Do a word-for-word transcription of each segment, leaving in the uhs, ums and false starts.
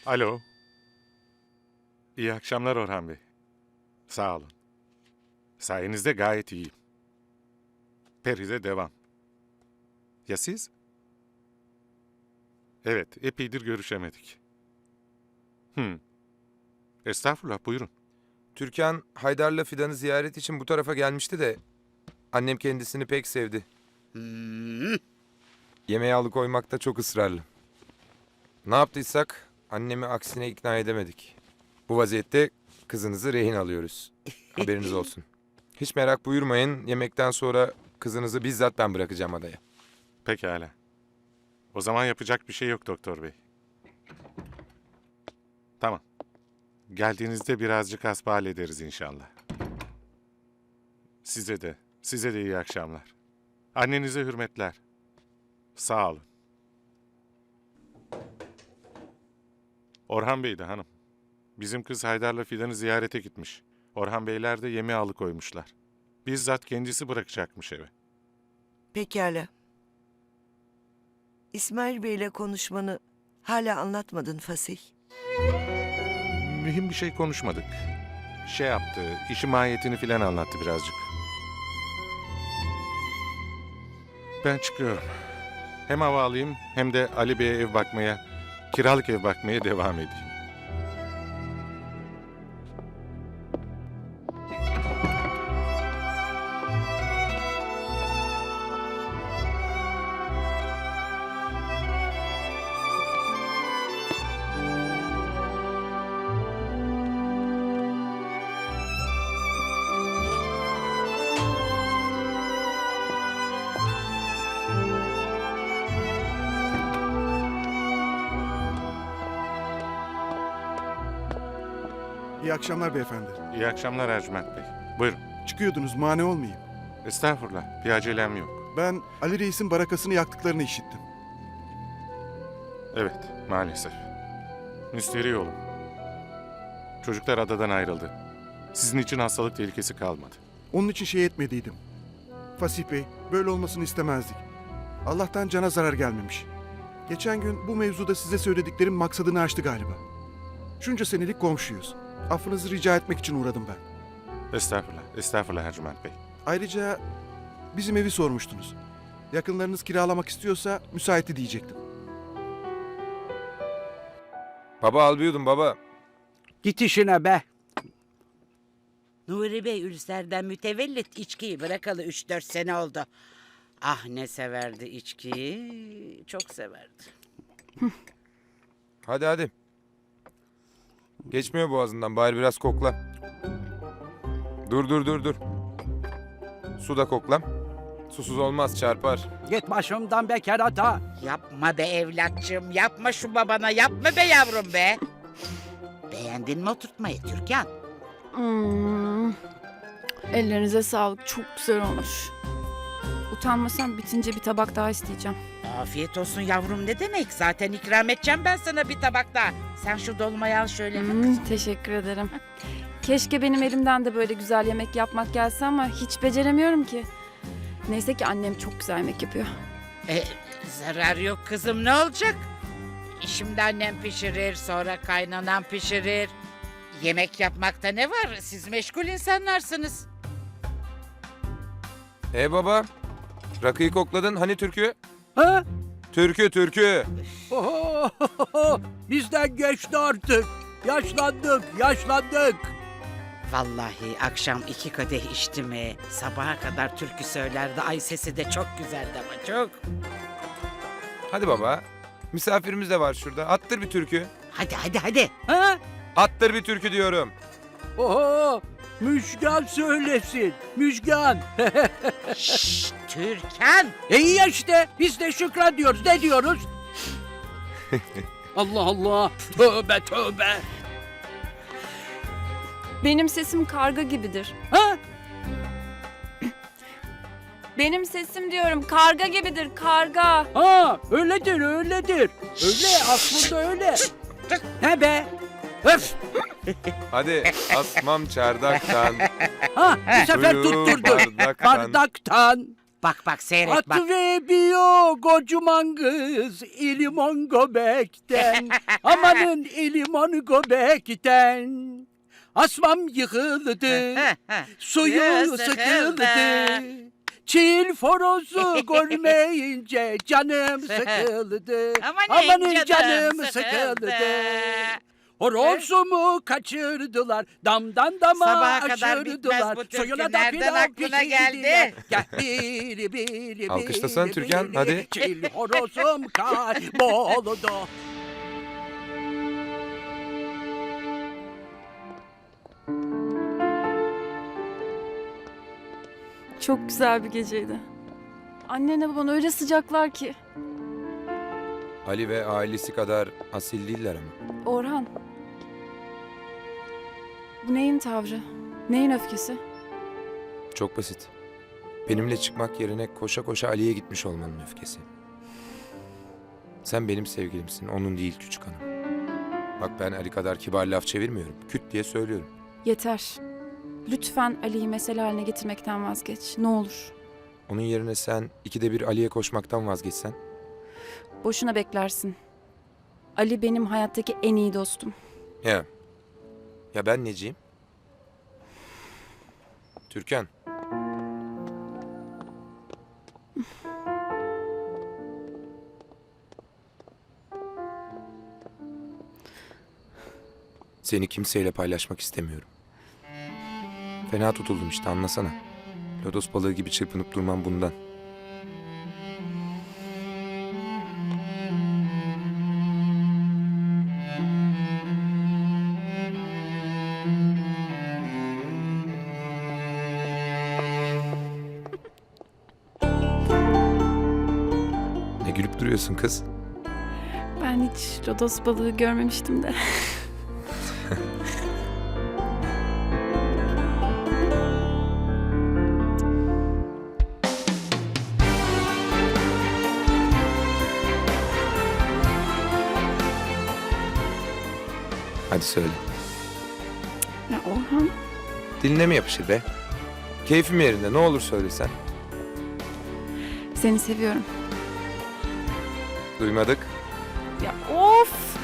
Alo. İyi akşamlar Orhan Bey. Sağ olun. Sayenizde gayet iyiyim. Peri'de devam. Ya siz? Evet, epeydir görüşemedik. Hmm. Estağfurullah, buyurun. Türkan, Haydar'la Fidan'ı ziyaret için bu tarafa gelmişti de... ...annem kendisini pek sevdi. Hmm. Yemeğe alıkoymakta çok ısrarlı. Ne yaptıysak annemi aksine ikna edemedik. Bu vaziyette kızınızı rehin alıyoruz. Haberiniz olsun. Hiç merak buyurmayın, yemekten sonra kızınızı bizzat ben bırakacağım adaya. Pekala. O zaman yapacak bir şey yok doktor bey. Tamam. Geldiğinizde birazcık hasbihal ederiz inşallah. Size de, size de iyi akşamlar. Annenize hürmetler. Sağ olun. Orhan Bey de hanım. Bizim kız Haydar'la Fidan'ı ziyarete gitmiş. Orhan Beyler de yemeğe alıkoymuşlar. Bizzat kendisi bırakacakmış eve. Pekala. İsmail Bey'le konuşmanı hala anlatmadın Fasih. Mühim bir şey konuşmadık. Şey yaptı, işin mahiyetini filan anlattı birazcık. Ben çıkıyorum. Hem hava alayım hem de Ali Bey'e ev bakmaya, kiralık ev bakmaya devam edeyim. İyi akşamlar beyefendi. İyi akşamlar Ercüment Bey. Buyurun. Çıkıyordunuz, mani olmayayım. Estağfurullah, bir acelem yok. Ben Ali Reis'in barakasını yaktıklarını işittim. Evet, maalesef. Müsterih olun. Çocuklar adadan ayrıldı. Sizin için hastalık tehlikesi kalmadı. Onun için şey etmediydim. Fasih Bey, böyle olmasını istemezdik. Allah'tan cana zarar gelmemiş. Geçen gün bu mevzuda size söylediklerim maksadını aştı galiba. Şunca senelik komşuyuz. Affınızı rica etmek için uğradım ben. Estağfurullah, estağfurullah Ercüment Bey. Ayrıca bizim evi sormuştunuz. Yakınlarınız kiralamak istiyorsa müsaiti diyecektim. Baba albiyordum baba. Git işine be. Nuri Bey ülserden mütevellit içkiyi bırakalı üç dört sene oldu. Ah ne severdi içkiyi, çok severdi. Hadi hadi. Geçmiyor boğazından, bari biraz kokla. Dur dur dur dur. Su da kokla. Susuz olmaz, çarpar. Git başımdan be kerata. Yapma be evlatçım, yapma şu babana, yapma be yavrum be. Beğendin mi oturtmayı Türkan? Hmm. Ellerinize sağlık. Çok güzel olmuş. Utanmasam bitince bir tabak daha isteyeceğim. Afiyet olsun yavrum ne demek? Zaten ikram edeceğim ben sana bir tabak daha. Sen şu dolmayı al şöyle bir Hmm, kızım. teşekkür ederim. Keşke benim elimden de böyle güzel yemek yapmak gelse ama hiç beceremiyorum ki. Neyse ki annem çok güzel yemek yapıyor. E, zarar yok kızım ne olacak? Şimdi annem pişirir, sonra kaynanan pişirir. Yemek yapmakta ne var? Siz meşgul insanlarsınız. E baba, rakıyı kokladın, hani türkü? Ha? Türkü türkü. Oho, bizden geçti artık. Yaşlandık, yaşlandık. Vallahi akşam iki kadeh içti mi sabaha kadar türkü söylerdi. Ay sesi de çok güzeldi ama çok. Hadi baba, misafirimiz de var şurada, attır bir türkü. Hadi hadi hadi. Ha? Attır bir türkü diyorum. Oho, Müjgan söylesin. Müjgan. Şşş Türkan. E iyi ya işte. Biz de şükran diyoruz. Ne diyoruz? Allah Allah. Tövbe tövbe. Benim sesim karga gibidir. Ha? Benim sesim diyorum karga gibidir, karga. Ha, öyledir, öyledir. Öyle, aslında öyle. He be? Öf! Hadi asmam çardaktan. Ha, bu sefer Suyu tutturdun. bardaktan. Bardaktan. Bak bak seyret bak. Atıvermiyor kocaman kız ilimon göbekten. Amanın ilimon göbekten. Asmam yıkıldı, suyu sıkıldı. Çil forozu görmeyince canım sıkıldı. Amanın canım sıkıldı. Horozumu kaçırdılar, damdan dama Sabaha kadar bitmez aşırdılar. bu türkü. Soyuna da Nereden pilav aklına pişirdiler. geldi? Gel bili bili Alkışlasana bili Türkan, bili. hadi. Çil horozum kayboldu. Çok güzel bir geceydi. Annenle baban öyle sıcaklar ki. Ali ve ailesi kadar asil değiller ama. Orhan. Bu neyin tavrı? Neyin öfkesi? Çok basit. Benimle çıkmak yerine koşa koşa Ali'ye gitmiş olmanın öfkesi. Sen benim sevgilimsin, onun değil küçük hanım. Bak ben Ali kadar kibar laf çevirmiyorum. Küt diye söylüyorum. Yeter. Lütfen Ali'yi mesele haline getirmekten vazgeç. Ne olur. Onun yerine sen ikide bir Ali'ye koşmaktan vazgeçsen. Boşuna beklersin. Ali benim hayattaki en iyi dostum. Ya. Ya ben neciyim? Türkan. Seni kimseyle paylaşmak istemiyorum. Fena tutuldum işte, anlasana. Lodos balığı gibi çırpınıp durmam bundan. Ne gülüp duruyorsun kız? Ben hiç lodos balığı görmemiştim de. Hadi söyle. Ya Orhan. Diline mi yapışır be? Keyfim yerinde, ne olur söylesen. Seni seviyorum. Duymadık. Ya of!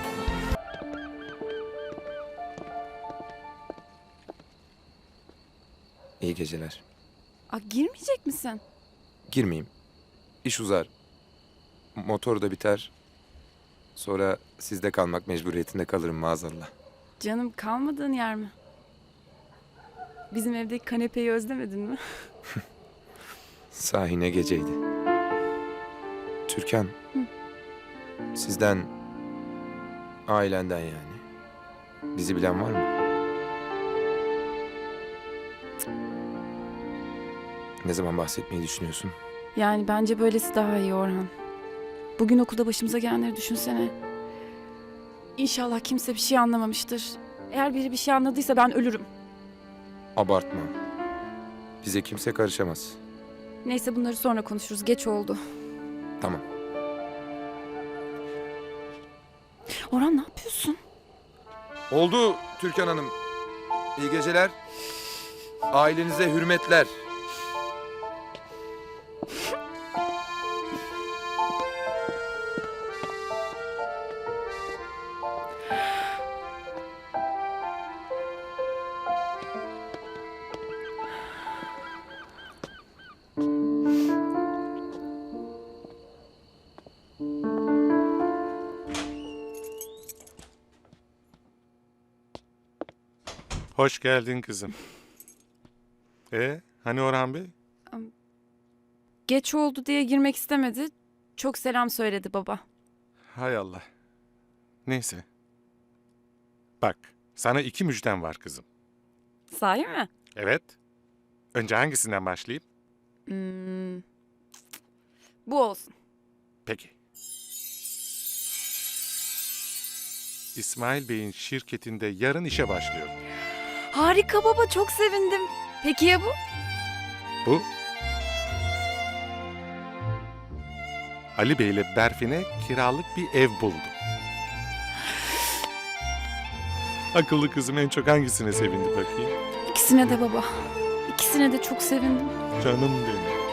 İyi geceler. Aa, girmeyecek misin? Girmeyeyim. İş uzar. Motor da biter. Sonra sizde kalmak mecburiyetinde kalırım maazallah. Canım kalmadığın yer mi? Bizim evdeki kanepeyi özlemedin mi? Sahi ne geceydi. Türkan. Sizden, ailenden yani. Bizi bilen var mı? Ne zaman bahsetmeyi düşünüyorsun? Yani bence böylesi daha iyi Orhan. Bugün okulda başımıza gelenleri düşünsene. İnşallah kimse bir şey anlamamıştır. Eğer biri bir şey anladıysa ben ölürüm. Abartma. Bize kimse karışamaz. Neyse bunları sonra konuşuruz. Geç oldu. Tamam. Orhan ne yapıyorsun? Oldu Türkan Hanım. İyi geceler. Ailenize hürmetler. Hoş geldin kızım. E, hani Orhan Bey? Geç oldu diye girmek istemedi. Çok selam söyledi baba. Hay Allah. Neyse. Bak, sana iki müjdem var kızım. Sahi mi? Evet. Önce hangisinden başlayayım? Hmm. Bu olsun. Peki. İsmail Bey'in şirketinde yarın işe başlıyorum. Harika baba, çok sevindim. Peki ya bu? Bu? Ali Bey ile Berfin'e kiralık bir ev buldum. Akıllı kızım en çok hangisine sevindi bakayım? İkisine de baba. İkisine de çok sevindim. Canım benim.